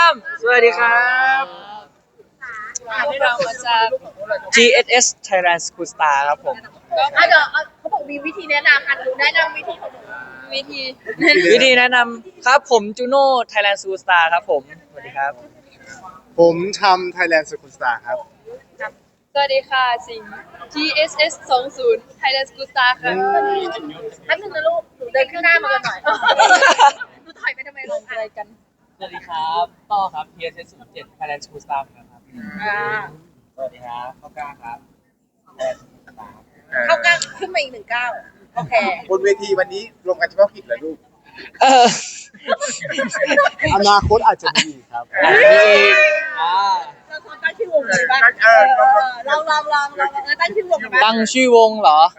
ามสวัสดีครับพวกเรามาจาก GSS Thailand School Star ครับผมก็เดี๋ยวเขาบอกมีวิธีแนะนำหนูแนะนำวิธีของหนูวิธีวิธีแนะนำครับผมจูโน่ Thailand School Star ครับผม สวัสดีครับผมทำ Thailand School Star ครับสวัสดีค่ะสิงห์ GSS 20 Thailand School Star ค่ะแป๊บนึงนะลูกหนูเดินข้างหน้ามากันหน่อยหนูถอยไปทำไมลลูงกอะไรกันสวัสดีครับต่อครับ PSS 07 Thailand School Staff ครับ สวัสดีครับข้าวกล้าครับเข้ากล้าขึ้นมาอีก19โอเคบนเวทีวันนี้รวมกันเฉพาะกิจเหรอลูกเอออนาคตอาจจะมีครับอันนี้อ่าเราควรตั้งชื่อวงเลยป่ะลองตั้งชื่อวงกันไหมตั้งชื่อวงเหรอ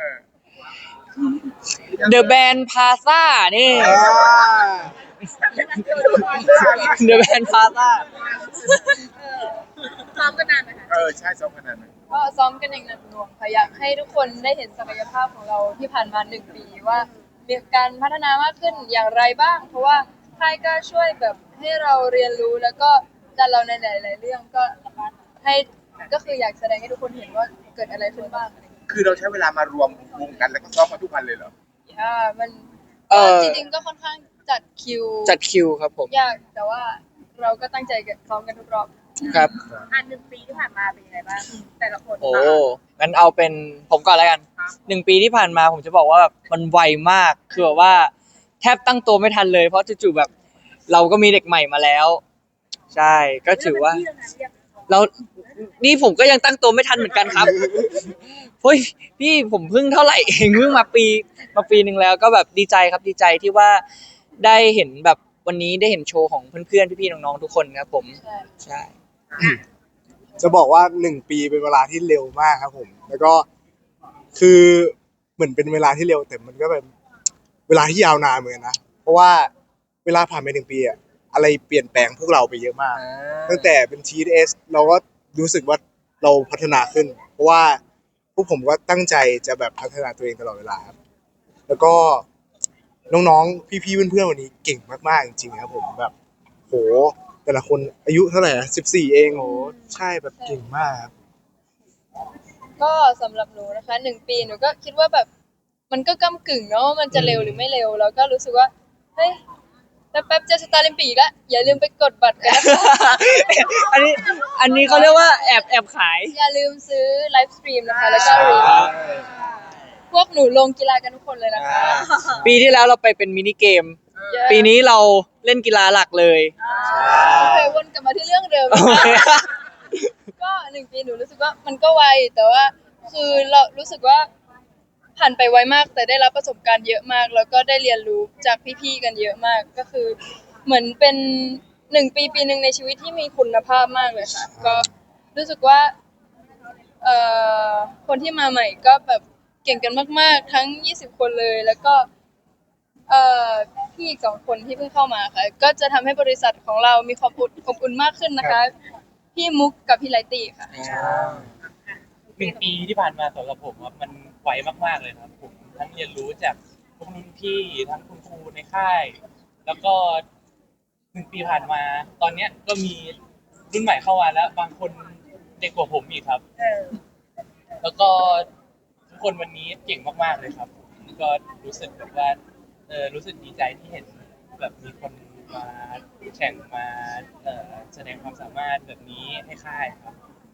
The Band Plaza นี่ The Band Plaza ซ้อมกันนานไหมคะใช่ซ้อมขนาดนั้นก็ซ้อมกันอย่างหนักหน่วงค่ะอยากให้ทุกคนได้เห็นศักยภาพของเราที่ผ่านมา1 ปีว่ามีการพัฒนามากขึ้นอย่างไรบ้าง เพราะว่าค่ายก็ช่วยแบบให้เราเรียนรู้แล้วก็ดันเราในหลายๆเรื่องก็ให้ก็คืออยากแสดงให้ทุกคนเห็นว่าเกิดอะไรขึ้นบ้างอะไรอย่างเงี้ยคือเราใช้เวลามารวมวงกันแล้วก็ซ้อมมาทุกวันเลยเหรอมันเออจริงๆก็ค่อนข้างจัดคิวจัดคิวครับผมยากแต่ว่าเราก็ตั้งใจกันซ้อมกันทุกรอบครับ 1 ปีที่ผ่านมาเป็นยังไงบ้างแต่ละคนโอ้งั้นเอาเป็นผมก่อนแล้วกัน1 ปีที่ผ่านมาผมจะบอกว่าแบบมันไวมาก คือแบบว่าแทบตั้งตัวไม่ทันเลย เพราะจู่ๆแบบ เราก็มีเด็กใหม่มาแล้ว ใช่ ก็ถือว่า เรานี่ผมก็ยังตั้งตัวไม่ทันเหมือนกันครับเฮ้ยพี่ผมเพิ่งเท่าไหร่เองเพิ่งมาปีหนึ่งแล้วก็แบบดีใจครับดีใจที่ว่าได้เห็นแบบวันนี้ได้เห็นโชว์ของเพื่อนๆพี่ๆน้องๆทุกคนครับผมใช่ใช่จะบอกว่า1 ปีเป็นเวลาที่เร็วมากครับผม แล้วก็คือเหมือนเป็นเวลาที่เร็วแต่มันก็เป็นเวลาที่ยาวนานเหมือนกันนะ เพราะว่าเวลาผ่านไป1 ปีอะอะไรเปลี่ยนแปลงพวกเราไปเยอะมาก ตั้งแต่เป็น TS เราก็รู้สึกว่าเราพัฒนาขึ้น เพราะว่าพวกผมก็ตั้งใจจะแบบพัฒนาตัวเองตลอดเวลาครับ แล้วก็น้องๆพี่ๆเพื่อนๆวันนี้เก่งมากๆจริงๆครับผมแบบโหแต่ละคนอายุเท่าไหร่นะ14เองโหใช่แบบเก่งมากครับก็สำหรับหนูนะคะ1 ปีหนูก็คิดว่าแบบมันก็ก้ำกึ่งเนาะว่ามันจะเร็วหรือไม่เร็วแล้วก็รู้สึกว่าเฮ้ยแป๊บๆจะสตาร์ลิมปิกแล้วอย่าลืมไปกดบัตรกันนะคะอันนี้เขาเรียกว่าแอบขายอย่าลืมซื้อไลฟ์สตรีมนะคะแล้วก็รีพวกหนูลงกีฬากันทุกคนเลยนะคะปีที่แล้วเราไปเป็นมินิเกม ปีนี้เราเล่นกีฬาหลักเลยโอเควนกลับมาที่เรื่องเดิมโอเคก็1 ปีหนูรู้สึกว่ามันก็ไวแต่ว่าคือเรารู้สึกว่าผ่านไปไวมากแต่ได้รับประสบการณ์เยอะมาก แล้วก็ได้เรียนรู้จากพี่ๆกันเยอะมากก็คือเหมือนเป็น1 ปีหนึ่งในชีวิตที่มีคุณภาพมากเลยค่ะก็รู้สึกว่าคนที่มาใหม่ก็แบบเก่งกันมากๆทั้ง20 คนเลยแล้วก็พี่อีก2 คนที่เพิ่งเข้ามาค่ะก็จะทำให้บริษัทของเรามีความอบอุ่นมากขึ้นนะคะพี่มุกกับพี่ไลตี้ค่ะ 1 ปีที่ผ่านมาสำหรับผมครับมันไวมากๆเลยครับผมทั้งเรียนรู้จากพวกรุ่นพี่ทั้งคุณครูในค่าย แล้วก็1 ปีผ่านมา ตอนเนี้ยก็มีรุ่นใหม่เข้ามาแล้ว บางคนเด็กกว่าผมอีกครับ แล้วก็ทุกคนวันนี้เก่งมากๆเลยครับก็รู้สึกแบบว่ารู้สึกดีใจที่เห็นแบบมีคนมาแข่งมาแสดงความสามารถแบบนี้ให้ค่ายครับ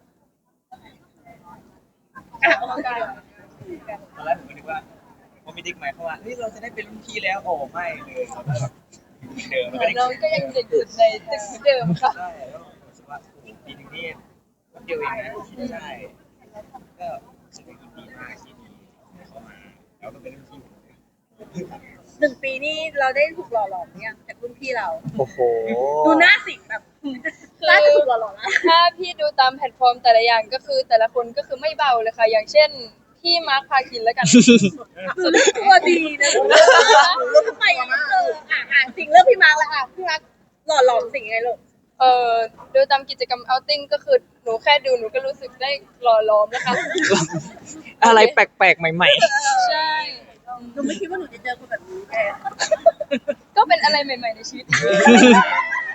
ตอนแรกผมก็นึกว่าพอมีเด็กใหม่เข้ามาเฮ้ยเราจะได้เป็นรุ่นพี่แล้วโอ้ไม่เลยเราได้แบบเดิมเหมือนเราก็ยังเด็กสุดในตึกเหมือนเดิมค่ะใช่แล้วรู้สึกว่าปีหนึงนี่แป๊บเดียวเองนะใช่ก็รู้สึกว่ายินดีมากที่มีเข้ามาแล้วก็เป็นรุ่นพี่ผมเลย 1 ปีนี่เราได้ถูกหล่อหลอมเนี่ยจากรุ่นพี่เราโอ้โหดูหน้าสิงแบบน่าจะถูกหล่อหลอมนะถ้าพี่ดูตามแพลตฟอร์มแต่ละอย่างก็คือแต่ละคนก็คือไม่เบาเลยค่ะ อย่างเช่นพี่มาร์คพาคินแล้วกันตัวดีนะทำไมสิงเรื่องพี่มาร์กแล้วพี่มาร์กหล่อหลอมสิงไงลูกโดยตามกิจกรรมเอาติ้งก็คือหนูแค่ดูหนูก็รู้สึกได้หล่อล้อมนะคะอะไรแปลกๆ ใหม่ใช่หนูไม่คิดว่าหนูจะเจอคนแบบนี้แกก็เป็นอะไรใหม่ๆในชีวิต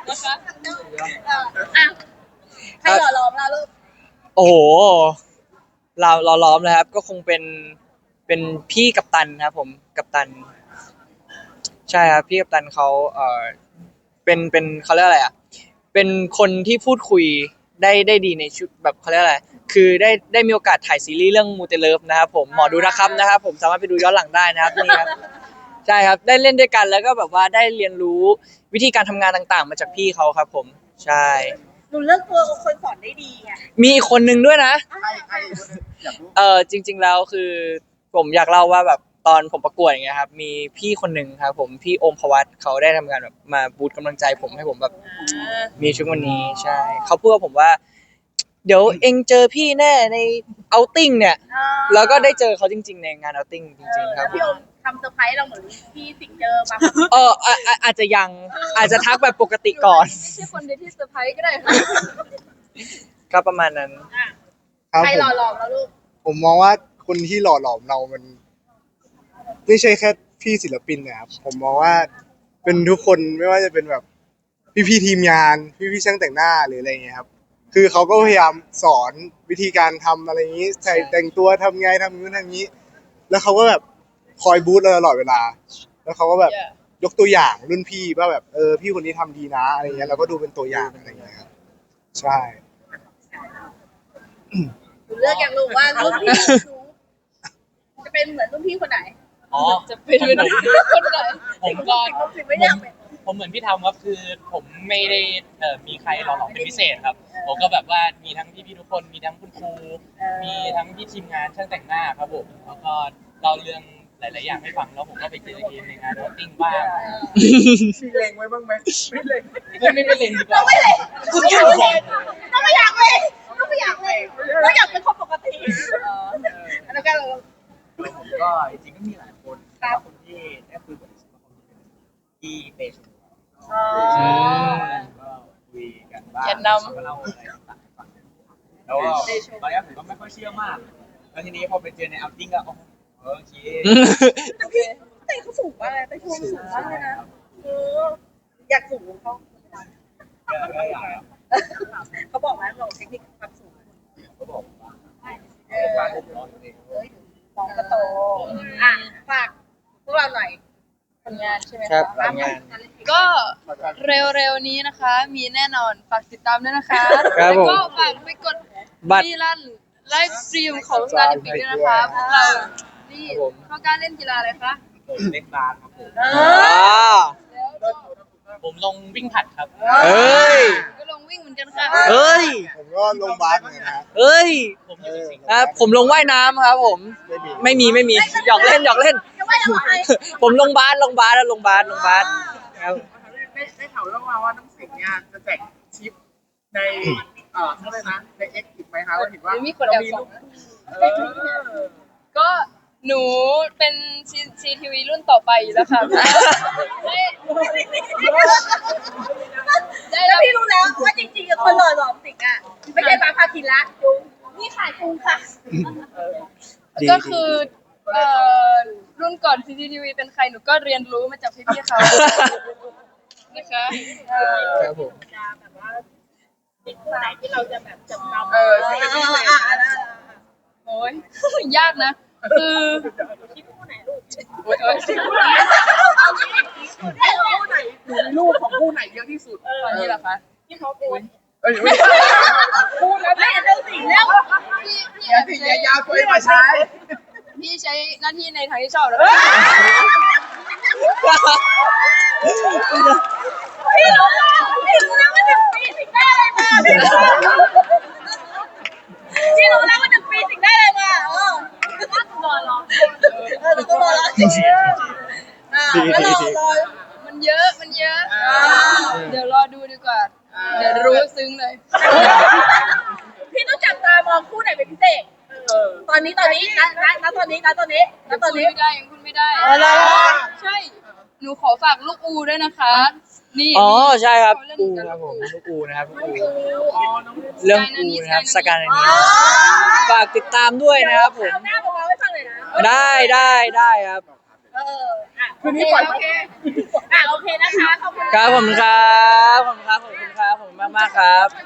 นะคะอ่ะใครหล่อหลอมเราลูกโอ้โหเราล้อมเลยครับ ก็คงเป็นพี่กัปตันครับผมกัปตัน ใช่ครับพี่กัปตันเขาเป็นเขาเรียกอะไรอ่ะเป็นคนที่พูดคุยได้ดีในชุดแบบเขาเรียกอะไรคือได้มีโอกาสถ่ายซีรีส์เรื่องมูเตเลิฟนะครับผมหมอดูนะครับนะครับผมสามารถไปดูย้อนหลังได้นะครับนี่ครับใช่ครับได้เล่นด้วยกันแล้วก็แบบว่าได้เรียนรู้วิธีการทำงานต่างๆ มาจากพี่เขาครับผมใช่หนูเลือกตัวคนสอนได้ดีไงมีอีกคนนึงด้วยนะใครอยากรู้จริง ๆแล้วคือผมอยากเล่าว่าแบบตอนผมประกวดอย่างเงี้ยครับมีพี่คนหนึ่งครับผมพี่โอมพวัตเขาได้ทำงานแบบมาบูตกำลังใจผมให้ผมแบบมีชุดวันนี้ใช่เขาพูดกับผมว่า เดี๋ยวเองเจอพี่แน่ในเอาติ้งเนี่ย แล้วก็ได้เจอเขาจริง ๆ ในงานเอาติ้งจริงๆครับผพี่มโอมทำเซอร์ไพรส์เราเหมือนที่สิ่งเจอมาอาจจะยังอาจจะทักแบบปกติก่อนไม่ใช่คนเดียวที่เซอร์ไพรส์ก็ได้ค่ะก็ประมาณนั้นครับใครผมหล่อหลอมเราลูกผมมองว่าคนที่หล่อหลอมเรามัน ไม่ใช่แค่พี่ศิลปินนะครับผมมองว่าเป็นทุกคนไม่ว่าจะเป็นแบบพี่ๆทีมงานพี่ๆช่างแต่งหน้าหรืออะไรเงี้ยครับคือเขาก็พยายามสอนวิธีการทำอะไรอย่างนี้ใส่แต่งตัวทำไงทำนู้นทำนี้ แล้วเขาก็แบบคอยบูธเราตลอดเวลา แล้วเขาก็แบบยกตัวอย่างรุ่นพี่ว่าแบบพี่คนนี้ทำดีนะอะไรเงี้ยเราก็ดูเป็นตัวอย่างอะไรเงี้ยครับใช่หนูเลือกอย่างลูกว่ารุ่นพี่หนูจะเป็นเหมือนรุ่นพี่คนไหนอ๋อจะเป็นคนไหนผมก็สิ่งไม่อยากเป็นผมเหมือนพี่ทำครับคือผมไม่ได้มีใครหล่อหลอมเป็นพิเศษครับ ผมก็แบบว่ามีทั้งพี่ๆทุกคนมีทั้งคุณครูมีทั้งพี่ทีมงานช่างแต่งหน้าครับผมแล้วก็เล่าเรื่องหลายๆอย่างให้ฟังแล้วผมก็ไปเจอเกมในงานโรตติ้งบ้างมีเล็งไว้บ้างไหมไม่เล็งไม่เล่นดีกว่าต้องไม่เลยต้องไม่เลยต้องไม่อยากเลยต้องไม่อยากเลยต้องอยากเป็นคนปกติอันนั้นก็ผมก็จริงๆก็มีหลายคนแต่ว่าคนที่ได้คุยกับที่เตชก็คุยกันบ้างก็เล่าอะไรต่างๆให้ฟังแล้วก็ตอนแรกผมก็ไม่ค่อยเชื่อมากแล้วทีนี้พอไปเจอในอัลติ้งก็โอเคแต่พี่แต่เขาสูงมากเลยแต่ชมสูงมากเลยนะอยากสูงเขาก็อยากเขาบอกไหมบอกเทคนิคความสูงก็บอกว่าการผมร้อนเองน้องก็โตอ่ะฝากพวกเราหน่อยผลงานใช่ไหมครัคะบผลงานก็เร็วๆนี้นะคะ มีแน่นอนฝากติดตามด้วยนะคะครับแล้วผมก็ฝากไปกดบัตรรีลันไลฟ์สตรีมของสตาร์ดิปิกด้วยนะคะพวกเรานี่เข้าการเล่นกีฬาอะไรคะผมเล่นบาสครับผมแล้วก็ผมลงวิ่งผลัดครับเอ้ยก็ลงวิ่งเหมือนกันค่ะเอ้ยผมก็ลงบาสเหมือนกันนะเอ้ยผมอยู่สิงห์ครับผมลงว่ายน้ำครับผม ไม่มีหยอกเล่นจะว่าจะบอกใครผมลงบาสแล้วลงบาสครับได้ข่าวเรื่องมาว่าน้ำสิงห์เนี่ยจะแจกชิปในเท่าไหร่นะในเอ็กซ์อีกไหมคะว่าเห็นว่ามีคนแอบส่อง ก็หนูเป็นซีทีวีรุ่นต่อไปอยู่แล้วค่ะได้แล้แล้ว วพี่รู้แล้วว่าจริงๆคนหล่อหลอมสิงอ่ะไม่ใช่บาพาคินละนี่ขายกุ้งค่ะก็คือรุ่นก่อน CCTV เป็นใครหนูก็เรียนรู้มาจากพี่ๆเขานะคะครับผมจะแบบว่าเป็นคนไหนที่เราจะแบบจำนำโอ้ย ยากนะ คือคิดคู่ไหนลูกโอ๊ยโอ๊ยได้คู่ไหนหนูมีรูปของคู่ไหนเยอะที่สุดตอนนี้เหรอคะที่เขาเป็นเอ้ยไม่พูดแล้วไม่เรื่องสิงแล้วพี่อย่าสิอย่ายาวตัวเองมาใช้พี่ใช้หน้าที่ในทางที่ชอบแล้วพี่รู้แล้วว่าหนึ่งปีสิงได้อะไรมาพี่รู้แล้วว่าหนึ่งปีสิงได้อะไรมารอเราก็รอแล้วรอมันเยอะ เดี๋ยวรอดูดีกว่า เดี๋ยวรู้ซึ้งเลยพี่ต้องจับตามองคู่ไหนเป็นพิเศษตอนนี้นะตอนนี้ยังพูดไม่ได้ ใช่ หนูขอฝากลูกอูด้วยนะคะ นี่อ๋อใช่ครับเขาเล่นอูกันครับผมลูกอูนะครับลูกอูเรื่เรื่ออง งอูอูนะนะคครัรับบ สสกาการนอันนี้ฝากติดตามด้วยนะครับผมหน้าบอกเราให้ฟังเลยนะได้ครับอ่ะคืนนี้ปล่อยโอเคโอเคนะคะขอบคุณครับผมครับขอบคุณครับขอบคุณครับขอบคุณมากๆครับ